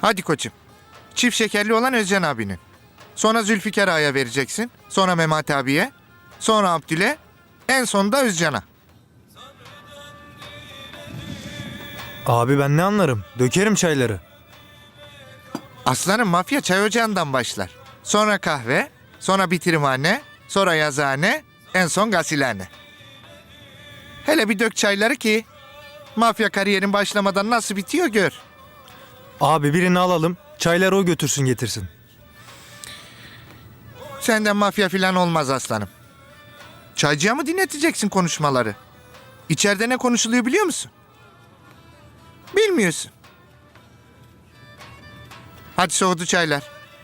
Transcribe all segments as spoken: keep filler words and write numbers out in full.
Hadi koçum. Çift şekerli olan Özcan abinin. Sonra Zülfikar Ağa'ya vereceksin. Sonra Mehmet abiye. Sonra Abdül'e. En sonunda Özcan'a. Abi ben ne anlarım? Dökerim çayları. Aslanım mafya çay ocağından başlar. Sonra kahve. Sonra bitirimhane. Sonra yazıhane. En son gasilhane. Hele bir dök çayları ki mafya kariyerin başlamadan nasıl bitiyor gör. Abi birini alalım. Çayları o götürsün getirsin. Senden mafya filan olmaz aslanım. Çaycıya mı dinleteceksin konuşmaları? İçeride ne konuşuluyor biliyor musun? Bilmiyorsun. Hadi soğudu çaylar.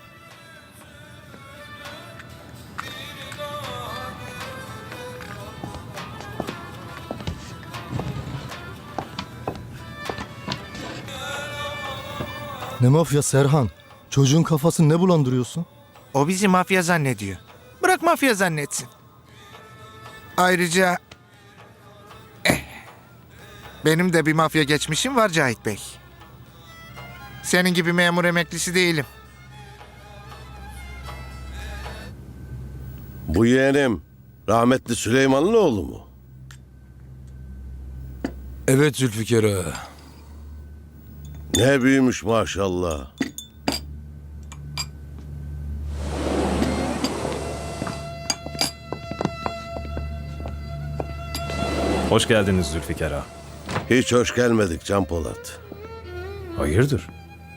Ne mafya Serhan? Çocuğun kafasını ne bulandırıyorsun? O bizi mafya zannediyor. Bırak mafya zannetsin. Ayrıca... Eh, benim de bir mafya geçmişim var Cahit Bey. Senin gibi memur emeklisi değilim. Bu yeğenim rahmetli Süleyman'ın oğlu mu? Evet Zülfikar ağa. Ne büyümüş maşallah. Hoş geldiniz Zülfikar ağa. Hiç hoş gelmedik Can Polat. Hayırdır?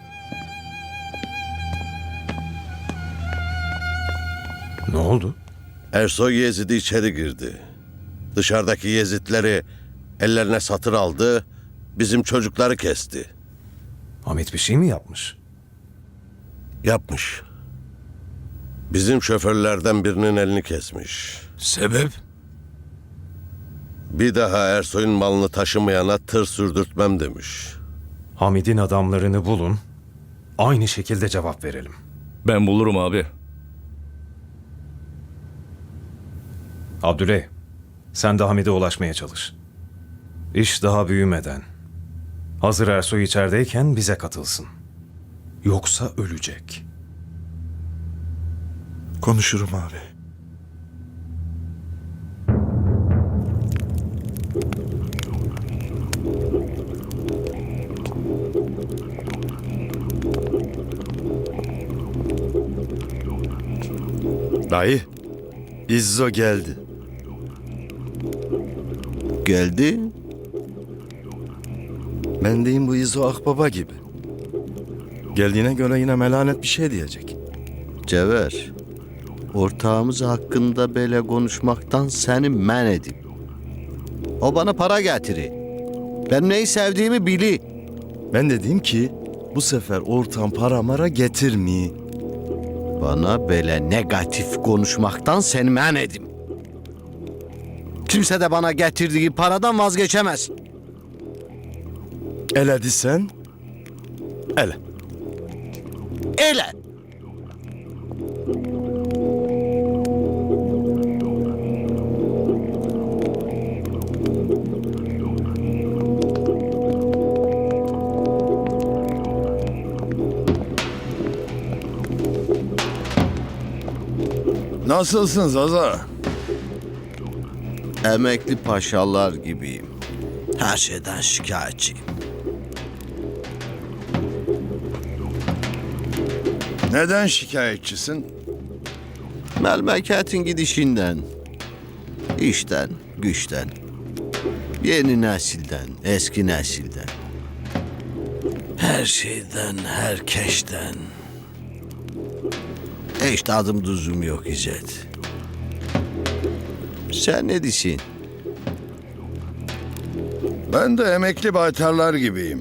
Ne oldu? Ersoy Yezid'i içeri girdi. Dışarıdaki Yezidleri ellerine satır aldı, bizim çocukları kesti. Hamit bir şey mi yapmış? Yapmış. Bizim şoförlerden birinin elini kesmiş. Sebep? Bir daha Ersoy'un malını taşımayana tır sürdürtmem demiş. Hamid'in adamlarını bulun. Aynı şekilde cevap verelim. Ben bulurum abi. Abdüley, sen de Hamid'e ulaşmaya çalış. İş daha büyümeden, hazır Ersoy içerideyken bize katılsın. Yoksa ölecek. Konuşurum abi. Dayı, İzzo geldi. Geldi. Ben deyim bu İzzo akbaba gibi. Geldiğine göre yine melanet bir şey diyecek. Cevher, ortağımız hakkında böyle konuşmaktan seni men edip. O bana para getirir. Ben neyi sevdiğimi bili. Ben de diyeyim ki bu sefer ortam para mara getirmeyi. Bana böyle negatif konuşmaktan seni men edim. Kimse de bana getirdiği paradan vazgeçemez. Ele disen, ele. Ele. Nasılsın Zaza? Emekli paşalar gibiyim. Her şeyden şikayetçiyim. Neden şikayetçisin? Memleketin gidişinden, işten, güçten, yeni nesilden, eski nesilden, her şeyden, herkesten. Hiç tadım tuzum yok İzzet. Sen ne diyorsun? Ben de emekli baytarlar gibiyim.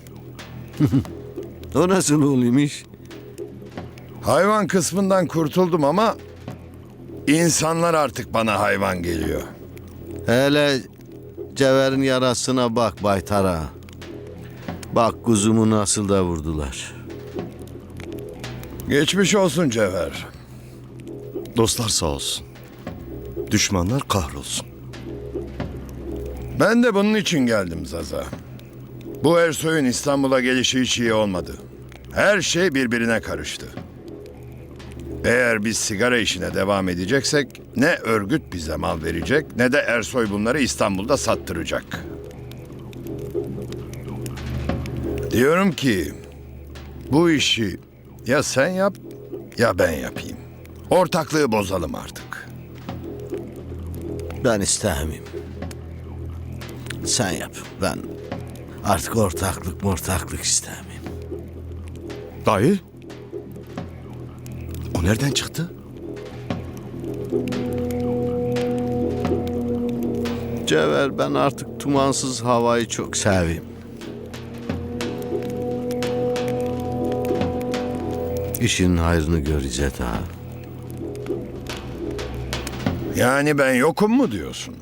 O nasıl oluyormuş? Hayvan kısmından kurtuldum ama insanlar artık bana hayvan geliyor. Hele Cevher'in yarasına bak baytara. Bak kuzumu nasıl da vurdular. Geçmiş olsun Cevher. Dostlar sağ olsun. Düşmanlar kahrolsun. Ben de bunun için geldim Zaza. Bu Ersoy'un İstanbul'a gelişi hiç iyi olmadı. Her şey birbirine karıştı. Eğer biz sigara işine devam edeceksek ne örgüt bize mal verecek ne de Ersoy bunları İstanbul'da sattıracak. Diyorum ki bu işi ya sen yap ya ben yapayım. Ortaklığı bozalım artık. Ben istemeyeyim. Sen yap. Ben artık ortaklık mortaklık istemeyeyim. Dayı. O nereden çıktı? Cevher, ben artık tumansız havayı çok seveyim. İşin hayrını gör İzzet ağa. Yani ben yokum mu diyorsun?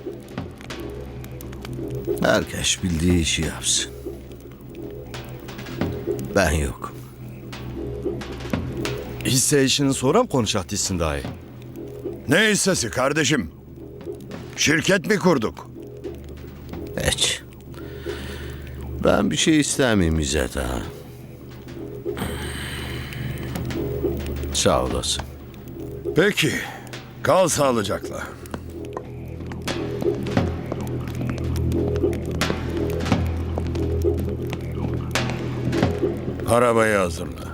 Herkes bildiği işi yapsın. Ben yokum. Hisse işini sonra mı konuşacaksın dayı? Ne hissesi kardeşim? Şirket mi kurduk? Hiç. Ben bir şey istemeyeyim İzzet ağa. Sağ olasın. Peki. Kal sağlıcakla. Arabayı hazırla.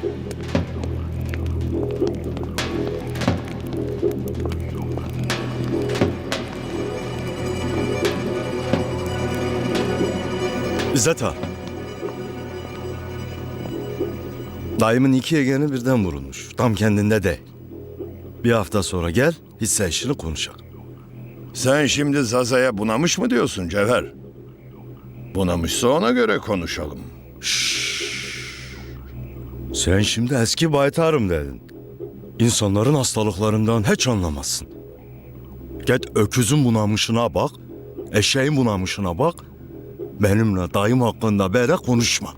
İzzet ağa. Dayımın iki yegeni birden vurulmuş. Tam kendinde de. Bir hafta sonra gel, hisse işini konuşalım. Sen şimdi Zaza'ya bunamış mı diyorsun Cevher? Bunamışsa ona göre konuşalım. Sen şimdi eski baytarım dedin. İnsanların hastalıklarından hiç anlamazsın. Git öküzün bunamışına bak, eşeğin bunamışına bak. Benimle dayım hakkında böyle konuşma.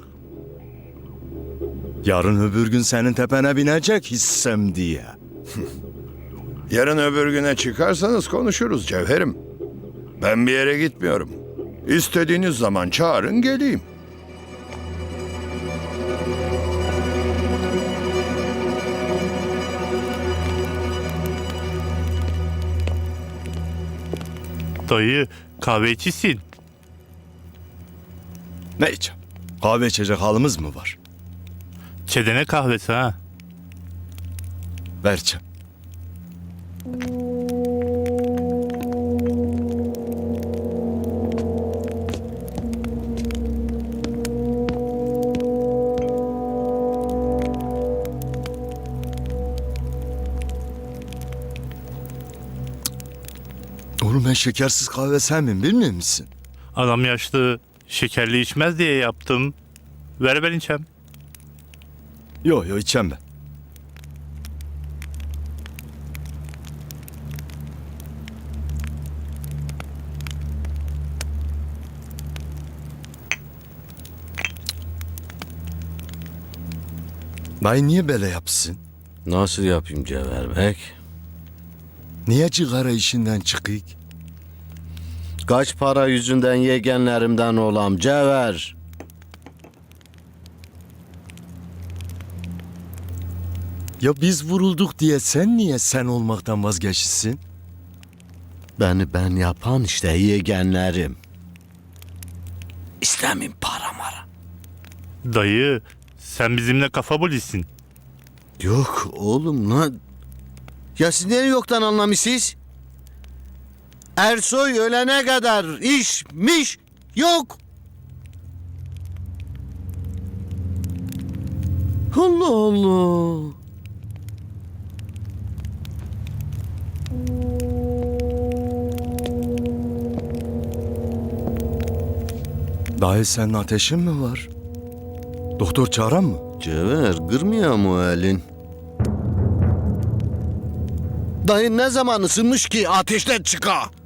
Yarın öbür gün senin tepene binecek hissem diye. Yarın öbür güne çıkarsanız konuşuruz Cevherim. Ben bir yere gitmiyorum. İstediğiniz zaman çağırın geleyim. Dayı, kahve içisin. Ne içeceğim? Kahve içecek halimiz mı var? Çedene kahvesi ha. Vereceğim. Oğlum ben şekersiz kahve sevmem bilmiyor musun? Adam yaşlı, şekerli içmez diye yaptım. Ver ben içem. Yok yok içeceğim ben. Dayı niye böyle yapsın? Nasıl yapayım Cevher Bey? Niye cigara işinden çıkıyık? Kaç para yüzünden yegenlerimden olam Cevher? Ya biz vurulduk diye sen niye sen olmaktan vazgeçsin? Beni ben yapan işte yegenlerim. İstemeyim para mara. Dayı, sen bizimle kafa bulisin. Yok oğlum lan. Ya siz niye yoktan anlamışsınız? Ersoy ölene kadar işmiş yok. Allah Allah. Dayı senin ateşin mi var? Doktor çağıran mı? Cevher kırmıyor mu elin? Dayı ne zaman ısınmış ki ateşten çıka?